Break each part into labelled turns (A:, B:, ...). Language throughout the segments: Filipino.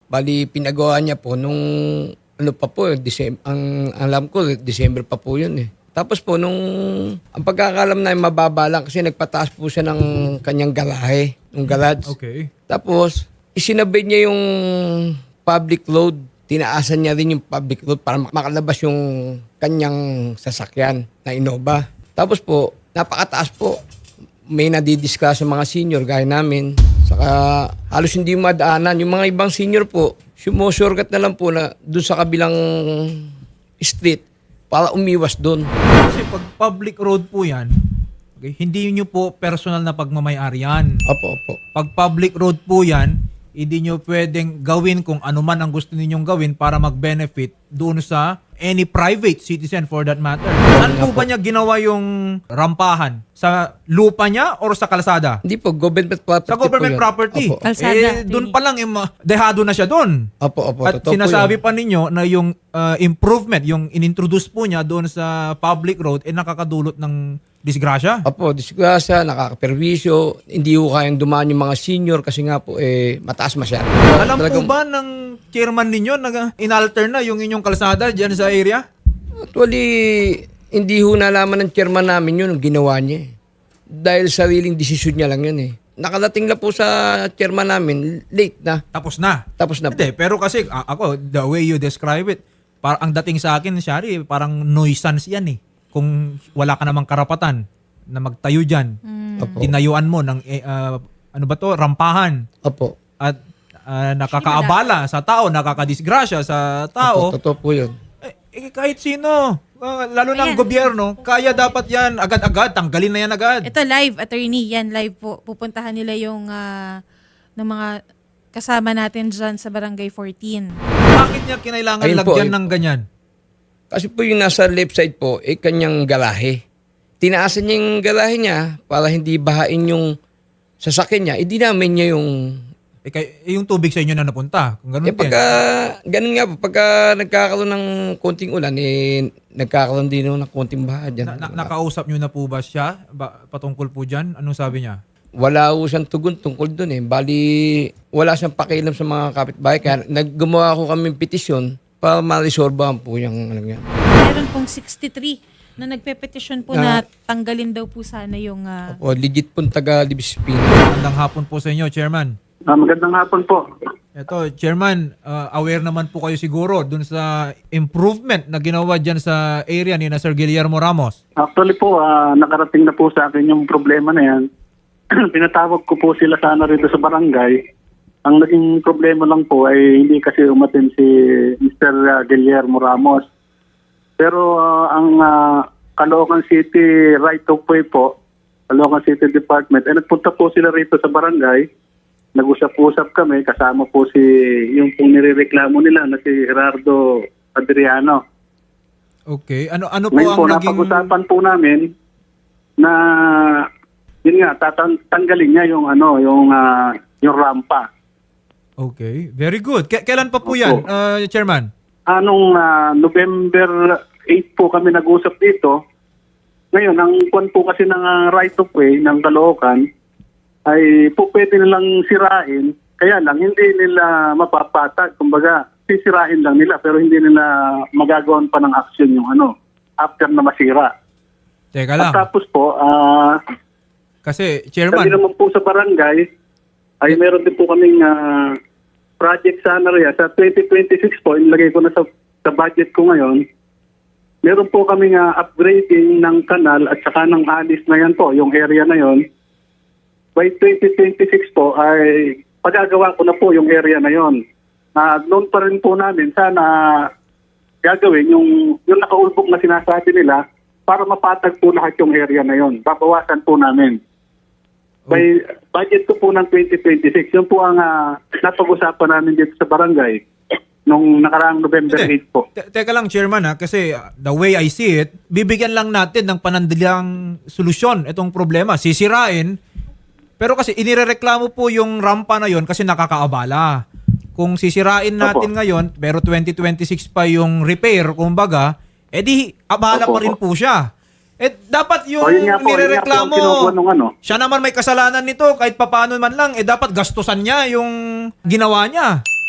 A: Bali, pinagawa niya po nung ano pa po, ang alam ko, December pa po yun eh. Tapos po, ang pagkakalam na mababa lang kasi nagpataas po siya ng kanyang garahe, ng garage.
B: Okay.
A: Tapos, isinabay niya yung public load. Tinaasan niya rin yung public load para makalabas yung kanyang sasakyan na Innova. Tapos po, napakataas po. May nadidiscuss sa mga senior gaya namin. Saka halos hindi madaanan. Yung mga ibang senior po, sumusurgat na lang po na doon sa kabilang street para umiwas doon.
B: Kasi pag public road po yan, okay, hindi nyo po personal na pagmamayari yan.
A: Opo.
B: Pag public road po yan, hindi nyo pwedeng gawin kung ano man ang gusto ninyong gawin para mag-benefit doon sa any private citizen for that matter. Saan po ba niya ginawa yung rampahan? Sa lupa niya or sa kalsada?
A: Hindi po, government property
B: Sa government
A: po yun.
B: property.
A: Opo.
C: Kalsada.
B: Doon pa lang, dehado na siya doon.
A: Opo.
B: At
A: Totoo po
B: sinasabi
A: yun.
B: pa ninyo na yung improvement, yung inintroduce po niya doon sa public road, nakakadulot ng disgrasya.
A: Opo, disgrasya, nakakaperwisyo, hindi ko kayang dumaan yung mga senior kasi nga po mataas masyado.
B: Alam po ba ng chairman ninyo na inalter na yung inyong kalsada dyan sa area?
A: Actually, hindi ho nalaman ng chairman namin yun ang ginawa niya eh. Dahil sariling desisyon niya lang yun eh. Nakadating na po sa chairman namin, late na.
B: Tapos na.
A: Tapos na po.
B: Hindi, pero kasi ako, the way you describe it, ang dating sa akin, Shari, parang nuisance yan eh. Kung wala ka namang karapatan na magtayo dyan,
A: Opo.
B: tinayuan mo ng, ano ba to, rampahan.
A: Opo.
B: At nakakaabala sa tao, nakakadisgrasya sa tao.
A: Opo, totoo po yun.
B: Kahit sino, lalo ng
C: Ayan.
B: gobyerno, kaya dapat yan agad-agad, tanggalin na yan agad.
C: Ito live, attorney, yan live po. Pupuntahan nila yung ng mga kasama natin dyan sa Barangay 14.
B: Bakit niya kinailangan
A: Ayun po,
B: lagyan
A: ayun
B: ng ganyan?
A: Kasi po yung nasa left side po, kanyang garahe. Tinaasan niya yung garahe niya para hindi bahain yung sasakyan niya. Idinamin niya yung...
B: Yung tubig sa inyo na napunta. Kung ganun din.
A: Ganun nga po, pagka nagkakaroon ng konting ulan, nagkakaroon din ng konting baha dyan.
B: Nakausap nyo na po ba siya patungkol po dyan? Anong sabi niya?
A: Wala ho siyang tugon tungkol doon eh. Bali, wala siyang pakialam sa mga kapitbahay. Kaya naggumawa ko kami petisyon para ma-resolvehan po yung ano yan.
C: Meron pong 63 na nagpe-petition po na tanggalin daw po sana yung...
A: O, legit pong taga-Libis-Pino.
B: Magandang hapon po sa inyo, Chairman.
D: Magandang hapon po.
B: Ito, Chairman, aware naman po kayo siguro dun sa improvement na ginawa dyan sa area ni na Sir Guillermo Ramos.
D: Actually po, nakarating na po sa akin yung problema na yan. Pinatawag ko po sila sana rito sa barangay. Ang naging problema lang po ay hindi kasi umatin si Mr. Guillermo Ramos. Pero ang Caloocan City right of way po, Caloocan City Department, ay nagpunta po sila rito sa barangay. Nag-usap-usap kami, kasama po yung pong nirereklamo nila na si Gerardo Adriano.
B: Okay. Ano po
D: Ngayon
B: ang
D: po,
B: naging...
D: napag-usapan po namin na yun nga, tanggalin niya yung rampa.
B: Okay. Very good. Kailan pa po yan, Chairman?
D: Anong November 8 po kami nag-usap dito. Ngayon, ang kwan po kasi ng right of way ng Caloocan ay po pwede nilang sirain. Kaya lang, hindi nila mapapatag. Kumbaga, sisirain lang nila pero hindi nila magagawan pa ng action yung after na masira.
B: Teka
D: At
B: lang.
D: tapos po,
B: Kasi,
D: kami
B: Chairman,
D: naman po sa barangay ay meron din po kaming project sana rin. Sa 2026 po, inilagay ko na sa budget ko ngayon, meron po kaming upgrading ng kanal at saka ng alis na yan po, yung area na yon. By 2026 po ay pagagawa ko na po yung area na yon. Noon pa rin po namin sana gagawin yung nakaulbog na sinasabi nila para mapatag po lahat yung area na yon. Babawasan po namin. By budget ko po ng 2026, yun po ang napag-usapan namin dito sa barangay nung nakaraang November 8 po.
B: Teka lang, Chairman, kasi the way I see it, bibigyan lang natin ng panandalang solusyon itong problema. Sisirain, pero kasi inirereklamo po yung rampa na yon kasi nakakaabala. Kung sisirain natin ngayon, pero 2026 pa yung repair, kumbaga, edi abala pa rin po siya. Dapat yung
D: yun nga po,
B: nirereklamo,
D: yun nga po ang kinukuha nung
B: siya naman may kasalanan nito, kahit papaano man lang, dapat gastusan niya yung ginawa niya.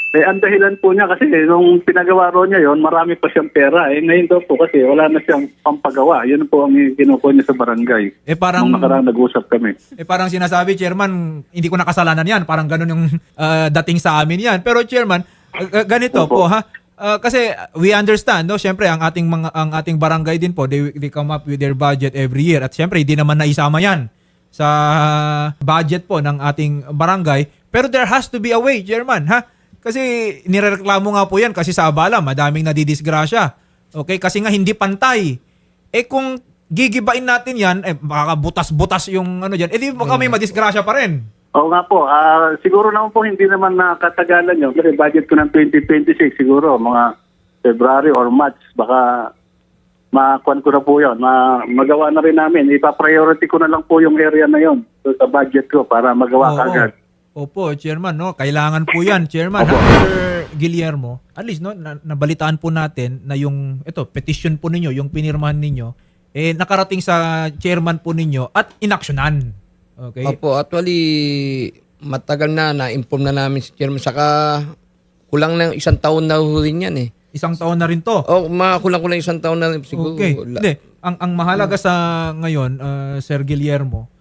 D: ang dahilan po niya kasi nung pinagawa ro niya yon, marami pa siyang pera. Ngayon daw po kasi wala na siyang pampagawa. Yun po ang kinukuha niya sa barangay.
B: Parang
D: Nung nakaraan nag-usap kami.
B: parang sinasabi, Chairman, hindi ko nakasalanan yan. Parang ganun yung dating sa amin yan. Pero Chairman, ganito
D: Opo.
B: po ha. Kasi we understand, no? Syempre, ang ating barangay din po, they come up with their budget every year. At syempre, hindi naman naisama yan sa budget po ng ating barangay. Pero there has to be a way, Chairman, ha? Kasi nirereklamo nga po yan kasi sa abala, madaming nadidisgrasya. Okay? Kasi nga hindi pantay. Kung gigibain natin yan, makakabutas-butas yung ano dyan, di baka may madisgrasya pa rin.
D: Oo nga po. Siguro naman po hindi naman nakatagalan yun. Kasi budget ko ng 2026 siguro, mga February or March, baka makuan ko na po yun. Magawa na rin namin. Ipa-priority ko na lang po yung area na yun sa budget ko para magawa kagad.
B: Opo, Chairman, no? Kailangan po yan, Chairman.
D: Opo.
B: Sir Guillermo, at least, no, nabalitaan po natin na yung, petition po ninyo, yung pinirmahan ninyo, nakarating sa chairman po ninyo at inaksyonan. Okay?
A: Opo, actually, matagal na-inform na namin si Chairman. Saka, kulang na 1 taon na huli yan eh.
B: 1 taon na rin to.
A: Kulang 1 taon na rin siguro.
B: Okay. Hindi. Ang mahalaga sa ngayon, Sir Guillermo,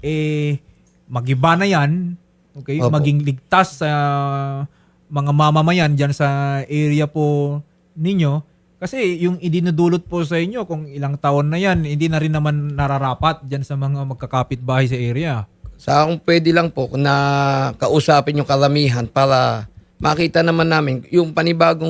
B: magiba na yan. Okay?
A: Opo.
B: Maging ligtas sa mga mamamayan dyan sa area po ninyo. Kasi yung idinudulot po sa inyo, kung ilang taon na yan, hindi na rin naman nararapat dyan sa mga magkakapitbahay sa area.
A: Sa kung pwede lang po na kausapin yung karamihan para makita naman namin yung panibagong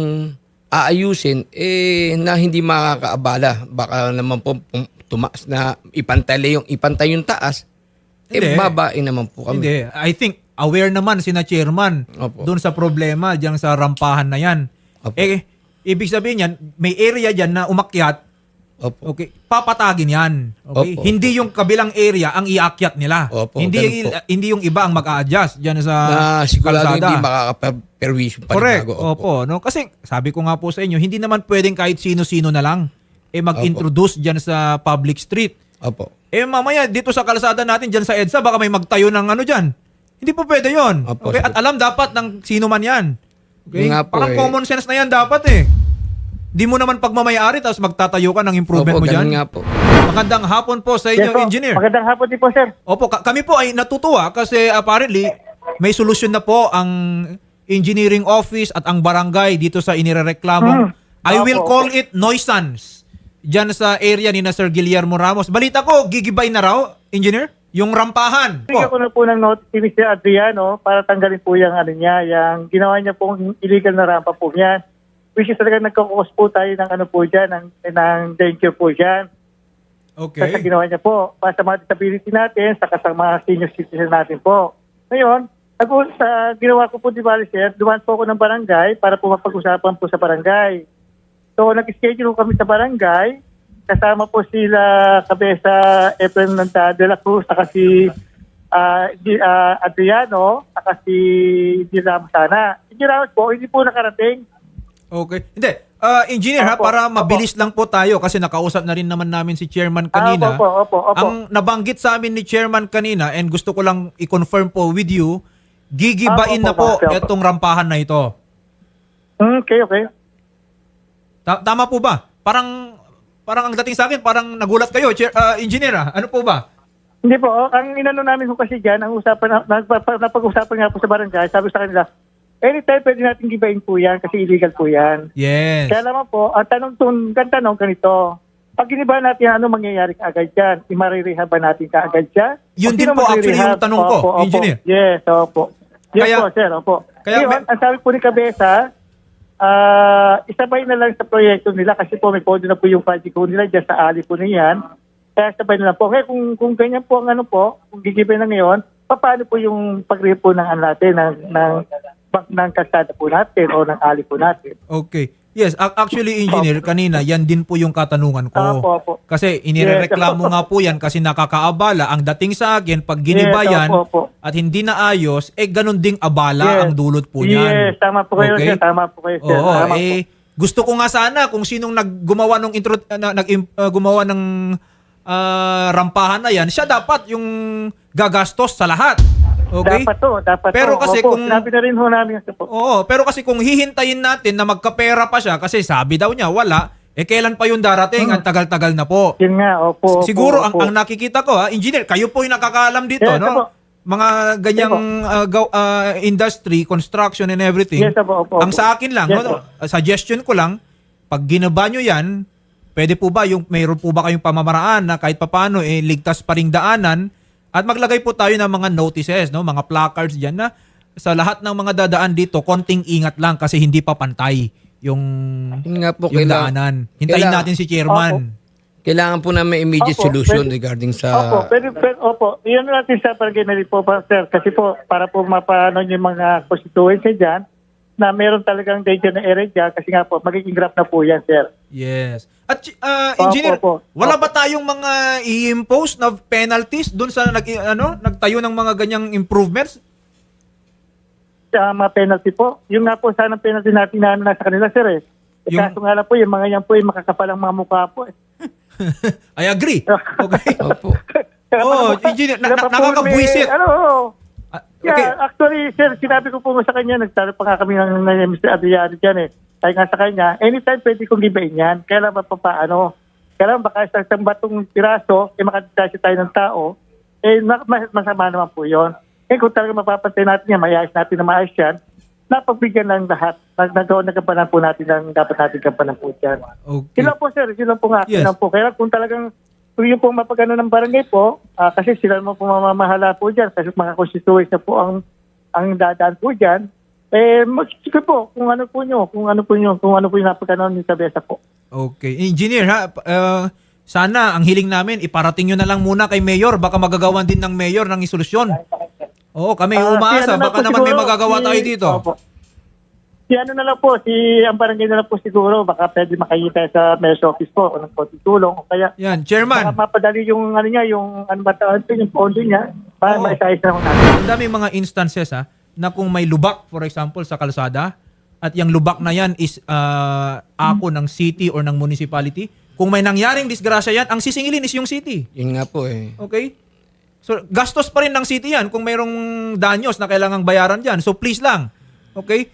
A: aayusin na hindi makakaabala. Baka naman po tumaas na ipantay yung taas.
B: Hindi.
A: Babain naman po kami.
B: Hindi. I think aware naman sina chairman
A: Opo.
B: doon sa problema diyan sa rampahan na yan.
A: Opo.
B: Ibig sabihin yan, may area diyan na umakyat.
A: Opo.
B: Okay, papatagin yan. Okay?
A: Opo,
B: Hindi yung kabilang area ang iakyat nila.
A: Opo,
B: hindi
A: ganun po.
B: hindi yung iba ang mag-a-adjust diyan sa
A: Na sigurado
B: kalsada.
A: hindi makaka-perwisyo pa
B: Correct.
A: bago.
B: Opo, no? Kasi sabi ko nga po sa inyo, hindi naman pwedeng kahit sino-sino na lang mag-introduce diyan sa public street.
A: Opo.
B: Mamaya dito sa kalsada natin diyan sa EDSA baka may magtayo ng ano diyan. Hindi po pwede 'yon.
A: Opo,
B: Okay?
A: sir.
B: At alam dapat ng sino man 'yan. Okay?
A: Yun nga po,
B: Parang
A: eh.
B: common sense na 'yan dapat eh. Di mo naman pagmamayari tapos magtatayo ka ng improvement mo
A: Opo,
B: diyan.
A: ganun nga po.
B: Magandang hapon po sa inyo,
E: po.
B: engineer.
E: Magandang hapon din po, sir.
B: Opo, kami po ay natutuwa kasi apparently may solusyon na po ang engineering office at ang barangay dito sa inirereklamong. I will
E: Opo.
B: call it nuisance. Diyan sa area ni na Sir Guillermo Ramos. Balita ko, gigibay na raw, engineer, yung rampahan.
E: Bigyan ko na po ng notice si Mr. Adriano para tanggalin po yung ano niya, yung ginawa niya pong illegal na rampa po niyan. Which is talaga nagkakos po tayo ng ano po dyan, ng danger po dyan. Kasi
B: Okay.
E: ginawa niya po, para sa mga disability natin, saka sa mga senior citizen natin po. Ngayon, ginawa ko po, di ba, sir, dumaan po ako ng barangay para po mapag-usapan po sa barangay. So, nag-schedule kami sa barangay. Kasama po sila Kabesa Efren de la Cruz, saka si Adriano, saka si Ramos sana. Si Ramos po, hindi po nakarating.
B: Okay. Hindi. Engineer, ha,
E: Opo,
B: para
E: opo.
B: mabilis lang po tayo kasi nakausap na rin naman namin si chairman kanina.
E: Opo.
B: Ang nabanggit sa amin ni chairman kanina and gusto ko lang i-confirm po with you, gigibain na po
E: Opo.
B: itong rampahan na ito.
E: Okay.
B: Tama po ba? Parang ang dating sa akin, parang nagulat kayo, engineer. Ano po ba?
E: Hindi po, ang inano namin po kasi dyan, ang usapan, napag-usapan nga po sa barangay, sabi sa kanila, anytime pwede natin gibain po yan kasi illegal po yan.
B: Yes.
E: Kaya naman po, ang tanong ganito, pag giniba natin, ano mangyayari kaagad dyan? Imarirehab ba natin kaagad dyan?
B: Yun
E: O
B: din
E: sino
B: po actually
E: magre-rehab?
B: yung tanong ko,
E: Opo.
B: engineer.
E: Yes, opo. Yes
B: Kaya-
E: po, sir, opo.
B: kaya
E: Ngayon, ang sabi po ni Kabesa, isabay na lang sa proyekto nila kasi po may pondo na po yung project po nila dyan sa ali po niyan. Kaya sabay na lang po. Kaya kung ganyan po ang ano po, kung gigibay na ngayon, paano po yung pag-rehab po ng ano natin, ng kalsada po natin o ng ali po natin?
B: Okay. Yes, actually engineer, kanina yan din po yung katanungan ko.
E: Opo.
B: Kasi inirereklamo
E: Yes.
B: nga po yan kasi nakakaabala. Ang dating sa akin, pag ginibayan
E: Yes, opo.
B: at hindi naayos, ganun ding abala
E: Yes.
B: ang dulot po niyan.
E: Yes, tama po kayo,
B: Okay?
E: sir. Tama po kayo, sir.
B: Oo,
E: Tama po.
B: gusto ko nga sana kung sinong gumawa ng rampahan na yan, siya dapat yung gagastos sa lahat. Okay?
E: Dapat
B: Pero kasi
E: Opo,
B: kung-
E: sinabi na rin ho namin. Po.
B: Oo, pero kasi kung hihintayin natin na magkapera pa siya kasi sabi daw niya wala, kailan pa yung darating? Ang tagal-tagal na po.
E: Yun nga, opo.
B: Siguro
E: opo.
B: ang nakikita ko engineer, kayo po yung nakakaalam dito,
E: Yes,
B: no?
E: opo.
B: Mga ganyang industry, construction and everything.
E: Yes, opo.
B: Ang sa akin lang,
E: Yes,
B: no, suggestion ko lang, pag ginaba nyo yan, pwede po ba mayroon po ba kayong pamamaraan na kahit papaano ligtas pa ring daanan at maglagay po tayo ng mga notices, no, mga placards diyan na sa lahat ng mga dadaan dito, konting ingat lang kasi hindi pa pantay yung
A: Yun nga po,
B: yung daanan. Hintayin natin si chairman.
A: Kailangan po namin immediate
E: Opo,
A: solution
E: pwede-
A: regarding sa...
E: Opo, opo. Iyan natin sa barangay na rin po, sir. Kasi po, para po mapano yung mga constituency dyan, na meron talagang danger na area dyan, kasi nga po, magiging graph na po yan, sir.
B: Yes. At engineer,
E: Opo.
B: wala ba tayong mga i-impose na penalties doon sa nagtayo ng mga ganyang improvements?
E: Sa mga penalty po, yung nga po, sana penalty natin na nasa kanila, sir. Kaso nga lang po, yung mga yan po, yung makakapalang mga mukha po.
B: I agree. Okay.
A: Opo.
B: Engineer, nakakabwisit. Okay.
E: Yeah, actually, sir, sinabi ko po sa kanya, nagtalo pa nga kami ng Mr. Adriano dyan eh. Kaya nga sa kanya, anytime pwede kong gibain yan. Kaya lang papaano. Kaya lang baka sa isang batong piraso, makadistasya tayo ng tao, masama naman po yun. Kung talaga mapapantay natin yan, mayayos natin na maayos yan, napagbigyan lang lahat. Nagkapanan po natin ang dapat natin kapanan po dyan.
B: Okay.
E: Yun lang po, sir. Yun lang po nga.
B: Yes.
E: Yun lang po. Kaya kung talagang kung yung po mapagano ng barangay po, kasi sila mo po mamamahala po dyan, kasi mga constituents na po ang dadaan po dyan, sige po, kung ano po yung napagano ng kabesa po.
B: Okay. Engineer, sana ang hiling namin, iparating nyo na lang muna kay Mayor. Baka magagawan din ng Mayor ng isolusyon. Oo, kami umaasa.
E: Si ano na
B: Baka
E: po
B: naman may
E: siguro,
B: magagawa tayo dito.
E: Opo. Si ano na lang po, ang barangay na lang po siguro, baka pwede makikita sa mayor's office po, o ng konting tulong, o kaya
B: Yan,
E: baka
B: Chairman.
E: mapadali yung ano niya, yung ano ba tawag ito, yung pondo niya, para
B: Oo.
E: maisayos na natin.
B: Ang dami mga instances na kung may lubak, for example, sa kalsada, at yung lubak na yan is ako ng city or ng municipality, kung may nangyaring disgrasya yan, ang sisingilin is yung city.
A: Yun nga po eh.
B: Okay? So, gastos pa rin ng city yan kung mayroong danyos na kailangang bayaran dyan. So, please lang. Okay?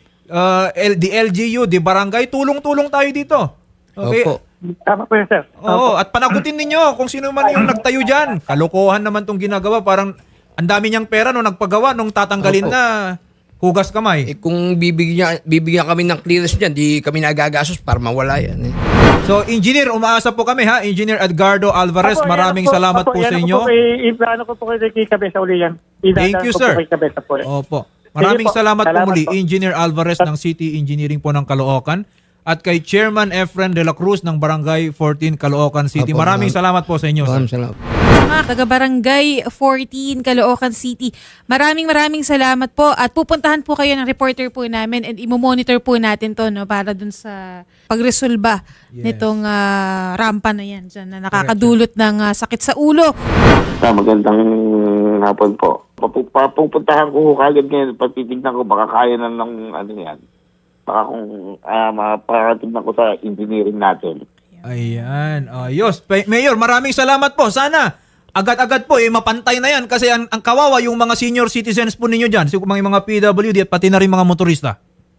B: The LGU, the barangay, tulong-tulong tayo dito. Okay?
A: Opo.
E: Tama po yun, sir.
B: Oo, at panagutin ninyo kung sino man yung nagtayo dyan. Kalokohan naman tong ginagawa. Parang ang dami niyang pera nung nagpagawa, nung tatanggalin
A: Opo.
B: na hugas kamay.
A: Kung bibigyan kami ng clearance dyan, di kami nagagasos para mawala yan eh.
B: So, Engineer, umaasa po kami ha. Engineer Edgardo Alvarez,
E: Opo,
B: maraming
E: yan
B: salamat po sa inyo.
E: Ano ko po kay Kabesa uli yan.
B: Thank you, sir.
E: Kay Kabesa po.
B: Opo. Maraming
E: Sige po.
B: salamat po
E: Salamat
B: muli,
E: po.
B: Engineer Alvarez ng City Engineering po ng Caloocan at kay Chairman Efren de la Cruz ng Barangay 14 Caloocan City.
A: Opo,
B: Maraming salamat po sa inyo, sir.
A: Maraming salamat.
C: Sa mga taga-barangay 14, Caloocan City, maraming salamat po at pupuntahan po kayo ng reporter po namin and imo-monitor po natin to no, para dun sa pagresolba
B: Yes.
C: nitong rampa na yan dyan, na nakakadulot ng sakit sa ulo.
F: Magandang hapon po. Papupuntahan ko kagad ngayon, patitignan ko baka kaya na ng ano yan. Baka kung maparatignan ko sa engineering natin.
B: Ayan. Ayos. Mayor, maraming salamat po. Sana agad-agad po mapantay na yan kasi ang kawawa yung mga senior citizens po ninyo dyan. Mga PWD at pati na rin mga motorista.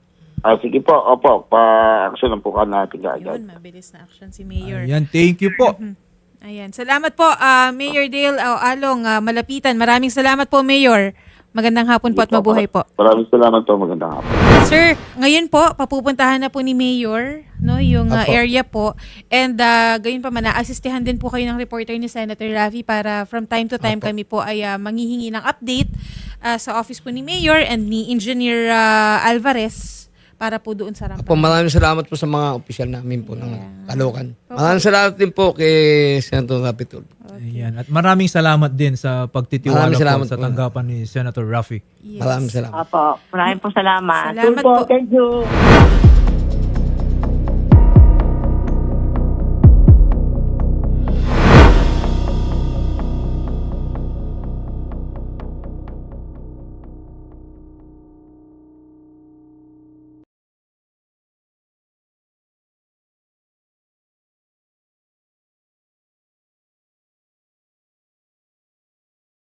F: Sige po, opo, pa-action lang po ka natin agad.
C: Yun, mabilis na action si Mayor.
B: Ayan, thank you po.
C: Ayan. Salamat po, Mayor Dale Along, Malapitan. Maraming salamat po, Mayor. Magandang hapon po at mabuhay po.
F: Maraming salamat po, magandang hapon.
C: Sir, ngayon po, papupuntahan na po ni Mayor no, yung
A: Apo.
C: area po. And gayon pa man, naasistihan din po kayo ng reporter ni Senator Raffy para from time to time
A: Apo.
C: kami po ay manghihingi ng update sa office po ni Mayor and ni Engineer Alvarez para po doon sa rampa.
A: Apo, maraming salamat po sa mga opisyal namin po ng Caloocan. Maraming salamat din po kay Senator Raffy Tulfo.
B: Ayan. At maraming salamat din sa pagtitiwala
A: Maraming
B: po
A: salamat
B: sa
A: po.
B: tanggapan ni Senator Raffy.
C: Yes.
A: Maraming salamat.
G: Apo, maraming po salamat.
C: Salamat po.
E: Thank you.